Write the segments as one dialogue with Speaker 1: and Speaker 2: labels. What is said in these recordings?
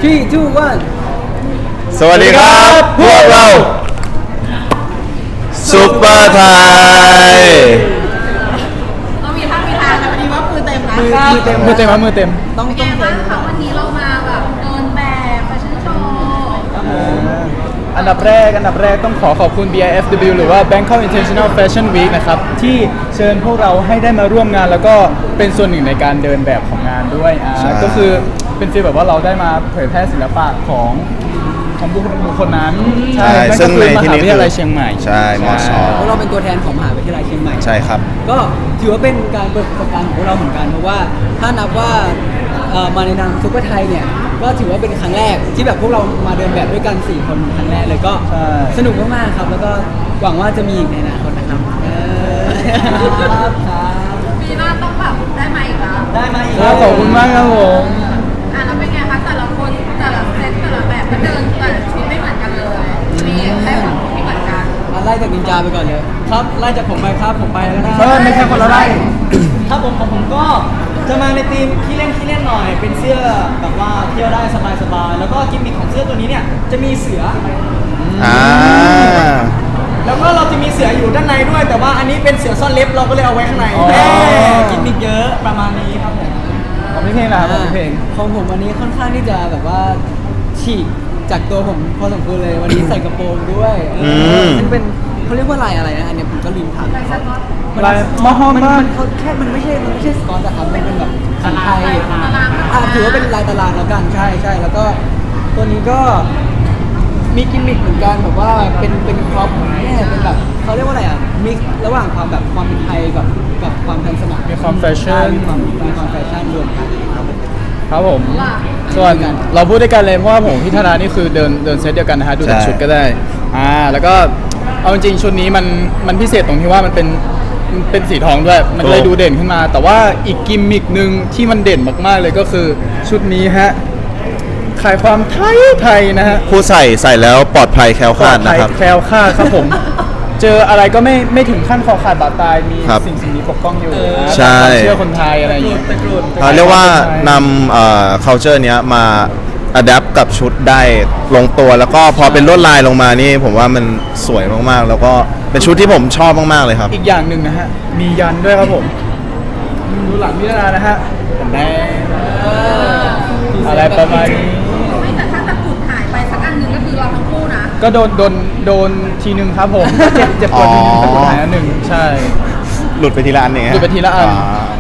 Speaker 1: 3 2 1
Speaker 2: สวัสดีครับพวกเราซุปเปอร์ไทย
Speaker 3: เรามีท่ามีทางแต่วันนี้ว่ามือเต็มนะ
Speaker 1: มือเต็มครับมือเต็มต้อง
Speaker 3: เป็นไงบ้างคะวันนี้เรามาแบบเดินแบบแฟชั่นโชว์
Speaker 1: อันดับแรกต้องขอบคุณ BIFW หรือว่า Bangkok International Fashion Week นะครับที่เชิญพวกเราให้ได้มาร่วมงานแล้วก็เป็นส่วนหนึ่งในการเดินแบบของงานด้วยก็คือเป็นฟีลแบบว่าเราได้มาเผยแพร่ศิลปะของบุคคลนั้นใช่ซึ่งในที่นี้มหาวิทยาลัยเชียงใหม่
Speaker 2: ใช่มช.
Speaker 4: พวกเราเป็นตัวแทนของมหาวิทยาลัยเชียงใหม่
Speaker 2: ใช่ครับ
Speaker 4: ก็ถือว่าเป็นการเปิดประสบการณ์ของพวกเราเหมือนกันเพราะว่าถ้านับว่ามาในนามซุปเปอร์ไทยเนี่ยก็ถือว่าเป็นครั้งแรกที่แบบพวกเรามาเดินแบบด้วยกัน4คนครั้งแรกเลยก็สนุกมากๆครับแล้วก็หวังว่าจะมีอีกในอนาคตนะครับครับ
Speaker 3: ปีหน้าต้องแบบได้มาอีกแล้ว
Speaker 4: ได้มาอีก
Speaker 1: ขอบคุณมากครับผม
Speaker 3: แล้วเป็นไงคะแต่ละคนแต่ละเซตแต่ละแบบก็เดินแต่ละชุดไม่เหมือนกันเลยมีแค่ของที่เหมือนกัน
Speaker 4: ไล่จากนินจาไปก่อนเลยครับไล่จากผมไปครับผมไปแล้วนะ
Speaker 1: ไม่ใช่คนละไล่
Speaker 4: ครับผมของผมก็จะมาในธีมขี้เล่นหน่อยเป็นเสื้อแบบว่าเที่ยวได้สบายๆแล้วก็กิมมิคของเสื้อตัวนี้เนี่ยจะมีเสือแล้วก็เราจะมีเสืออยู่ด้านในด้วยแต่ว่าอันนี้เป็นเสือซ่อนเล็บเราก็เลยเอาไว้ข้างในกิมมิคเยอะประมาณนี้ครับผม
Speaker 1: ของพี่เพลงนะครับของพี่เพลง
Speaker 4: ของผมวันนี้ค่อนข้างที่จะแบบว่าฉีกจากตัวผมพอสมควรเลยวันนี้ใส่กระโปรงด้วยซึ่งเป็นเขาเรียกว่าลายอะไรนะอันนี้ผมก็ลืมถาม
Speaker 3: ลายสก๊อต
Speaker 1: ลายมอฮอมบ้าน
Speaker 4: มันไม่ใช่สกอตแต่ครับมันเป็นแบบสีไทยถือว่าเป็นลายตารางแล้วกันใช่แล้วก็ตัวนี้ก็มีกิมมิคเหมือนกันแบบว่าเป็นครอปเนี่ยเป็นแบบเขาเรียกว่าอะไรอ่ะมิกระหว่างความแบบความเป็นไทยกับความทันสมัย
Speaker 1: มีความแฟชั่น
Speaker 4: มีความแฟชั่นรวมกัน
Speaker 1: ครับผมส่วนเราพูดด้วยกันเลยเพราะว่าผมพี่ธนานี่คือเดินเซตเดียวกันนะฮะดูจากชุดก็ได้แล้วก็เอาจริงชุดนี้มันพิเศษตรงที่ว่ามันเป็นสีทองด้วยมันเลยดูเด่นขึ้นมาแต่ว่าอีกกิมมิคนึงที่มันเด่นมากๆเลยก็คือชุดนี้ฮะขายความไทยนะฮะ
Speaker 2: ผู้ใส่แล้วปลอดภัยแคล้วคลาดนะครับ
Speaker 1: แคล้วคลาดครับผม เจออะไรก็ไม่ถึงขั้นคอขาดบาดตายมีสิ่งนี้ปกป้องอยู่
Speaker 2: ใช่
Speaker 1: เชื่อคนไทยอะไรอย่างเงี้ย
Speaker 2: เขาเรียกว่านำculture เนี้ยมา adapt กับชุดได้ลงตัวแล้วก็พอเป็นลวดลายลงมานี่ผมว่ามันสวยมากๆแล้วก็เป็นชุดที่ผมชอบมากๆเลยครับ
Speaker 1: อีกอย่างหนึ่งนะฮะมียันด้วยครับผมดูหลังพิจารณานะฮะแดงอะไรประมาณนี้
Speaker 3: ไม่แต่ถ้าตะกรุดหายไปสักอันหนึ่งก็คือเราทั้งคู่นะ
Speaker 1: ก็โดนทีนึงครับผมเจ็บปวดทีนึงตะกรุดหายอันหนึ่งใช่
Speaker 2: หลุดไปทีละอันเอง
Speaker 1: หลุดไปทีละอัน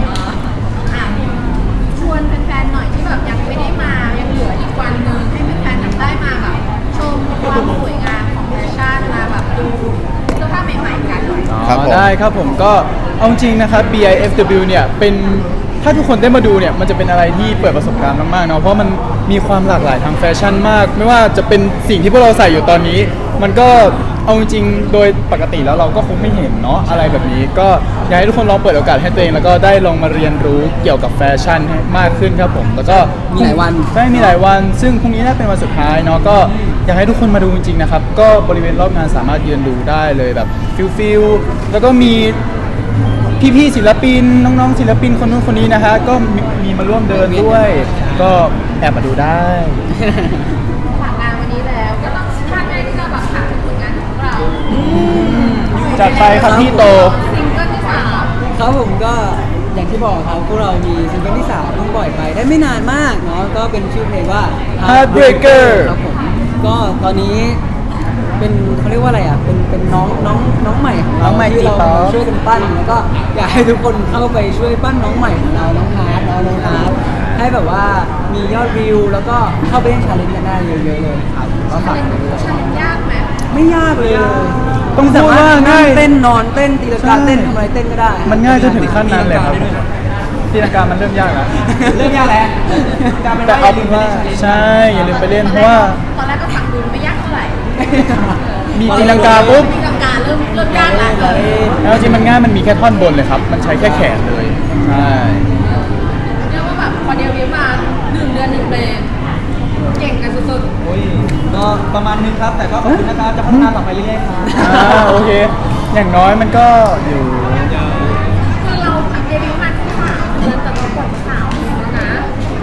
Speaker 3: ชวนแฟนๆหน่อยที่แบบยังไม่ได้มายังเหลืออีกวันหนึ่งให้แฟนๆได้มาแบบชมความสวยงามของแฟชั่นมาแบบดูเสื้อผ้าใหม่ๆกันหน่อย
Speaker 1: ได้ครับผมก็เอาจริงนะครับ BIFW เนี่ยเป็นถ้าทุกคนได้มาดูเนี่ยมันจะเป็นอะไรที่เปิดประสบการณ์มากๆเนาะเพราะมันมีความหลากหลายทางแฟชั่นมากไม่ว่าจะเป็นสิ่งที่พวกเราใส่อยู่ตอนนี้มันก็เอาจริงโดยปกติแล้วเราก็คงไม่เห็นเนาะอะไรแบบนี้ก็อยากให้ทุกคนลองเปิดโอกาสให้ตัวเองแล้วก็ได้ลองมาเรียนรู้เกี่ยวกับแฟชั่นให้มากขึ้นครับผมแล้วก็
Speaker 4: มีหลายวัน
Speaker 1: มีหลายวันซึ่งพรุ่งนี้น่าเป็นวันสุดท้ายเนาะก็อยากให้ทุกคนมาดูจริงๆนะครับก็บริเวณรอบงานสามารถยืนดูได้เลยแบบฟิลแล้วก็มีพี่ๆศิลปินน้องๆศิลปินคนนู้นคนนี้นะฮะก็มีมาร่วมเดินด้วยก็แอบมาดูได้
Speaker 3: ฝากงานวันนี้แล้วก็ต้องพลาดไม่ได้ที่จะแบบถามถึงผลงานของเรา
Speaker 1: จัดไปครับพี่โต
Speaker 3: ซิงเกิลที่3
Speaker 4: ครับผมก็อย่างที่บอกครับพวกเรามีซิงเกิลที่3เพิ่งปล่อยไปได้ไม่นานมากเนาะก็เป็นชื่อเพลงว่า
Speaker 1: Heartbreaker
Speaker 4: ครับผมก็ตอนนี้เป็นเขาเรียกว่าอะไรอ่ะเป็นน้องใหม่ของเราที่เราช่วยกันปั้นแล้วก็อยากให้ทุกคนเข้าไปช่วยปั้นน้องใหม่ของเราน้องฮาร์ดน้องฮาร์ดให้แบบว่ามียอดวิวแล้วก็เข้าไปเล่นชาเลนจ์กันได้เยอะๆเลยครับก็ฝากไปด้วย
Speaker 3: ชาเลนจ์ยากไหม
Speaker 4: ไม่ยากเลย
Speaker 1: ต้องพูดว่าง่าย
Speaker 4: เต้นนอนเต้นตีลังกาเต้นทำอะไรเต้นก็ได้
Speaker 1: มันง่ายจนถึงขั้นนั้นเลยครับตีลังกามันเริ่มยากแล้ว
Speaker 4: เริ่มยากแล้ว
Speaker 1: แต่เอาเป็นว่าใช่อย่าลืมไปเล่นเพราะว่า
Speaker 3: ตอนแรกก็ฟังดูไม่ยากเท่าไหร่
Speaker 1: มีตีลังกาปุ๊บ
Speaker 3: ตีลังกาเริ่มยากแล้ว
Speaker 1: แล้วจริงมันง่ายมันมีแค่ท่อนบนเลยครับมันใช้แค่แขนเลยใช่
Speaker 3: เรียกว่าแบบพอเดบิวต์มา1 เดือน 1 เพลงเก่งกันสุด
Speaker 4: ๆก็ประมาณนึงครับแต่ก็ขอบคุณนะครับจะพัฒนาต่อไปเรื่อยๆครับ
Speaker 1: โอเคอย่างน้อยมันก็อยู่
Speaker 3: คือเราเดบิวต์มาแค่3 เดือนแต่เราปล่อย3 แล้วนะ
Speaker 4: อย่าง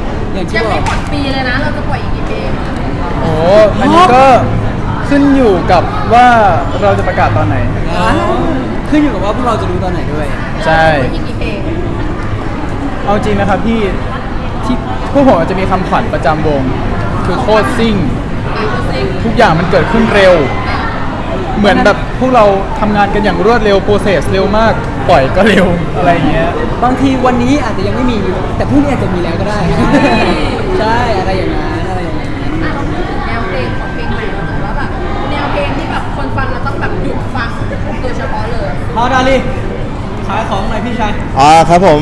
Speaker 4: อย่างที่
Speaker 3: ยัง
Speaker 4: บอ
Speaker 3: ไม่
Speaker 4: ก
Speaker 3: หมดปีเลยนะ เราจะปล่อยอีกกี่เพลง
Speaker 1: โอ้อันนี้ก็ขึ้นอยู่กับว่าเราจะประกาศตอนไหน
Speaker 4: ขึ้นอยู่กับว่าพวกเราจะรู้ตอนไหนด้วย
Speaker 1: ใช่
Speaker 3: อีกกี่เพลง
Speaker 1: เอาจริงนะครับพี่ที่พวกผมอาจจะมีคำขวัญประจำวง คือโคตรซิ่ง ทุกอย่างมันเกิดขึ้นเร็ว เหมือนแบบพวกเราทำงานกันอย่างรวดเร็วโปรเซสเร็วมาก ปล่อยก็เร็วอะไรอย่างเงี้ย
Speaker 4: บางทีวันนี้อาจจะยังไม่มี แต่พรุ่งนี้อาจจะมีแล้วก็ได้ ใช่อะไรอย่างนั้นอะไรอย่างนั้น
Speaker 3: อ่ะเราพูดถึงแนวเพลงของเพลงใหม่เราหน่อยว่าแบบแนวเพลงที่แบบคนฟังเราต้องแบบหยุดฟังโดยเฉพาะเลย
Speaker 4: พอดาลีขายของหน่อยพี่ชาย
Speaker 2: ครับผม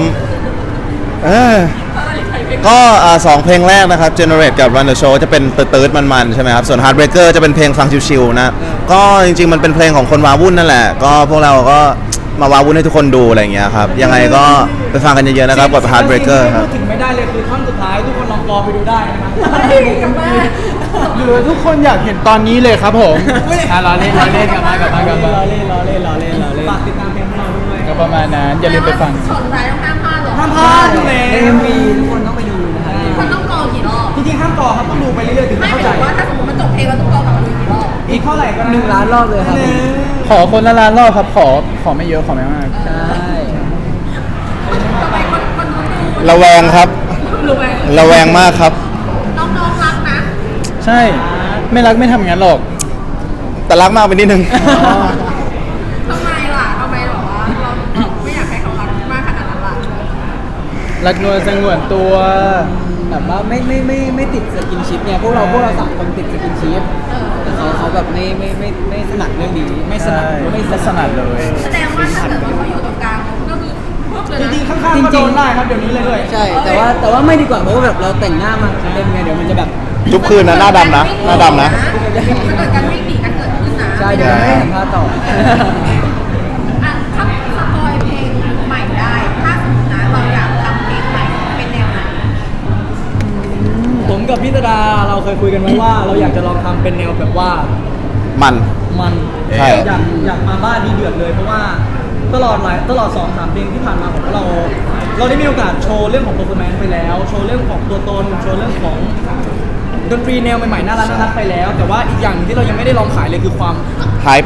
Speaker 2: ก็สองเพลงแรกนะครับ Generate กับ Run the Show จะเป็นตืดๆมันๆใช่ไหมครับ ส่วน Heartbreaker จะเป็นเพลงฟังชิวๆนะ ก็จริงๆมันเป็นเพลงของคนวาวุ่นนั่นแหละ ก็พวกเราก็มาวาวุ่นให้ทุกคนดูอะไรอย่างเงี้ยครับ ยังไงก็ไปฟังกันเยอะๆนะครับกับ Heartbreaker ครับ
Speaker 4: พูดถึงไม่ได้เลยคือท่อนสุดท้ายทุกคนลองกอไปดูได้นะครับ
Speaker 1: หรือทุกคนอยากเห็นตอนนี้เลยครับผมรอเล่นกลับมากลับมา
Speaker 4: รอเล่นฝากติดตามเพลงของเราด้วย
Speaker 1: ก็ประมาณนั้นอย่าลืมไปฟัง
Speaker 3: ชนร้ายต้องห้ามพลาดหรอ
Speaker 4: ห้ามพลาดอยู่แล้วใน MV ทุกคนต้องไปดูนะครับ
Speaker 3: คนต้องกรอกี่รอบ
Speaker 4: จริงๆห้ามต่อครับต้องดูไปเรื่อยๆถึง
Speaker 3: ไม่
Speaker 4: จะ
Speaker 3: หมา
Speaker 4: เข้าย ใจ
Speaker 3: ถึงว่าถ้าสมมติมันจบเพลงเราต้องกรอกลับมาดูกี่รอบ
Speaker 4: อีกเท่าไหร่ก็1 ล้านรอบเลยครับ
Speaker 1: ขอคนละล้านรอบครับ ขอไม่เยอะขอไม่มาก
Speaker 4: ใช่
Speaker 3: ทำไมคนนู้นดู
Speaker 2: ระแวงครับ
Speaker 3: รู้ไหม
Speaker 2: ระแวงมากครับ
Speaker 3: น้องๆรักนะ
Speaker 1: ใช่ไม่รักไม่ทำอย่างนั้นหรอก
Speaker 2: แต่รักมากไปนิดนึง
Speaker 3: ทำไมล่ะทำไมหรอว่าเราไม่อยากให้เขารักมากขนาดนั้นล่ะ
Speaker 1: รักนวลสงวนตัว
Speaker 4: แบบว่าไม่ติดสกินชิปเนี่ยพวกเราสามคนติดสกินชิปแต่เขาแบบไม่ถนัดเรื่องนี้ไม่ถนัด
Speaker 1: ไม่สนัดเลย
Speaker 3: แสดงว่าถ้าเกิดว่าเขาอยู่ตรงกลางก็คือพวกเลยนะ
Speaker 4: จริงๆข้างๆก็โดนได้ครับเดี๋ยวนี้เลยใช่แต่ว่าไม่ดีกว่าเพราะว่าแบบเราแต่งหน้ามาเต็มไงเดี๋ยวมันจะแบบ
Speaker 2: ทุกคืนนะหน้าดำนะหน้าดำนะ
Speaker 3: ถ้าเกิดการวิ่งหนีกันเกิดขึ้นนะ
Speaker 4: ใช่เดี๋ยวไม่เห็นภาพต่อ
Speaker 3: อ่ะถ้าสปอยเพลงใหม่ได้ ถ้าสมมตินะเราอยากทำเพลงใหม่เป็นแนวไหน
Speaker 4: ผมกับพี่ตดาเราเคยคุยกันไว้ว่า เราอยากจะลองทำเป็นแนวแบบว่า
Speaker 2: มัน ใช่
Speaker 4: อยากมาบ้านดีเดือดเลยเพราะว่าตลอด 2-3 เพลงที่ผ่านมาของเราได้มีโอกาสโชว์เรื่องของ performance ไปแล้ว โชว์เรื่องของตัวตนโชว์เรื่องของดนตรีแนวใหม่ๆน่ารักไปแล้ว แต่ว่าอีกอย่างหนึ่งที่เรายังไม่ได้ลองขายเลยคือความ
Speaker 2: Hype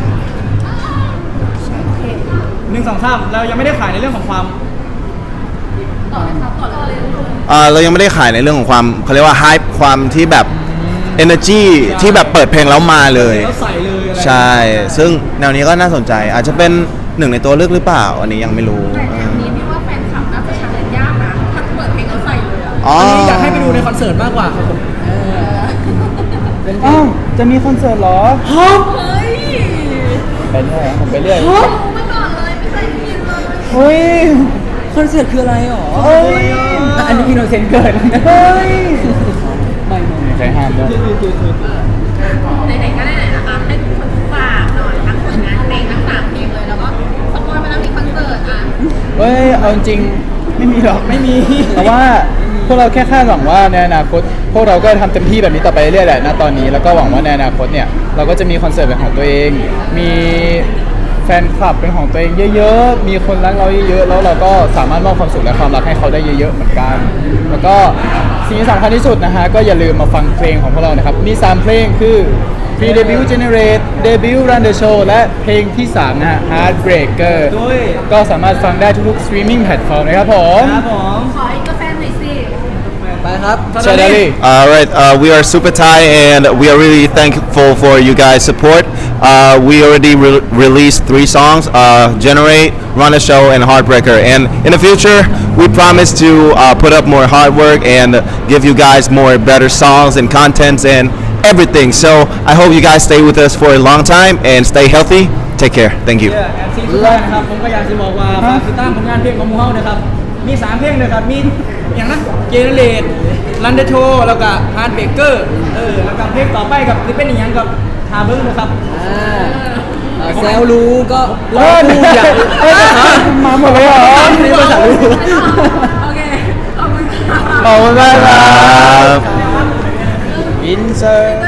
Speaker 4: 1-2-3เรายังไม่ได้ขายในเรื่องของความ
Speaker 3: ต่อเลยครับต่อเลย
Speaker 2: เรายังไม่ได้ขายในเรื่องของความเขาเรียกว่า Hype ความที่แบบ Energy ที่แบบเปิดเพลงแล้วมาเลย
Speaker 4: แล้วใส่เลยอะไร
Speaker 2: ใช่ ซึ่งแนวนี้ก็น่าสนใจ อาจจะเป็นหนึ่งในตัวเลือกหรือเปล่า อันนี้ยังไม่รู้
Speaker 3: แต่แนวนี้พี่ว่าแฟนคลับน่าจะชาเลนจ์ยากนะถ้าเปิดเพลงแล้วใส่เลยอะ
Speaker 2: อ๋อ
Speaker 4: อันนี้อยากให้ไปดูในคอนเสิร์ตมากกว่าครับผมเป็น
Speaker 1: อ้าวจะมีคอนเสิร์ตเหรอ
Speaker 3: เฮ้ย
Speaker 1: ไปเรื่อยผมไปเรื่อย
Speaker 3: รู้มาก่อนเลยไม่เคยได้ยินเลย
Speaker 1: เฮ้ย
Speaker 4: คอนเสิร์ตคืออะไรหรอ
Speaker 1: เฮ้ย
Speaker 4: อันนี้อินโนเซนต์เกิด
Speaker 1: เฮ้ย
Speaker 4: ไม่
Speaker 1: ใครห้ามด้วย
Speaker 3: ไหนๆก็ไหนๆนะคะให้ทุกคนฝากหน่อยทั้งผลงานเพลงทั้ง3เพลงเลยแล้วก็สปอยล์มาแล้วมีคอนเสิร์ตอ่ะ
Speaker 1: เฮ้ย เอาจริงๆไม่มีหรอก ไม่มี แต่ว่าพวกเราแค่คาดหวังว่าในอนาคต พวกเราก็ทำเต็มที่แบบนี้ต่อไปเรื่อยๆแหละณตอนนี้ แล้วก็หวังว่าในอนาคตเนี่ย เราก็จะมีคอนเสิร์ตเป็นของตัวเอง มีแฟนคลับเป็นของตัวเองเยอะๆ มีคนรักเราเยอะๆ แล้วเราก็สามารถมอบความสุขและความรักให้เขาได้เยอะๆ เหมือนกัน แล้วก็สิ่งที่สำคัญที่สุดนะฮะ ก็อย่าลืมมาฟังเพลงของพวกเรานะครับ มี 3 เพลงคือ Pre Debut Generate Debut Run the Show และเพลงที่ 3 นะฮะ Heartbreaker
Speaker 4: ด้วย
Speaker 1: ก็สามารถฟังได้ทุกๆ streaming platform นะครับผม
Speaker 4: ครับผม
Speaker 3: ขออีกกาแฟหน่อยสิ
Speaker 4: ไปครับ
Speaker 1: ใช่ได้ดิ
Speaker 2: All right, we are Super Thai and we are really thankful for you guys' support. We already released 3 songs, Generate, Run a Show, and Heartbreaker. And in the future, we promise to put up more hard work and give you guys more better songs and contents and everything. So I hope you guys stay with us for a long time and stay healthy. Take care. Thank you.
Speaker 4: แอนซีสุดท้ายนะครับผมก็อยากจะบอกว่าฝากติดตามผลงานเพลงของมูเฮานะครับมี 3 เพลงเลยครับมีอย่างนั้นเจเนเรตรันเดอร์โชแล้วก็ฮาร์ดเบเกอร์แล้วก็เพลงต่อไปกับคือเป็นอย่างกับทาเบิ้งนะครับแซวรู้ก็รอดูอยาก
Speaker 1: มาหมดเลยเหรอ
Speaker 4: นี่ภาษารู้
Speaker 3: โอเค ขอบคุณค่ะ
Speaker 1: ขอบคุณมากครับ
Speaker 2: ครับ
Speaker 1: อินเสิร์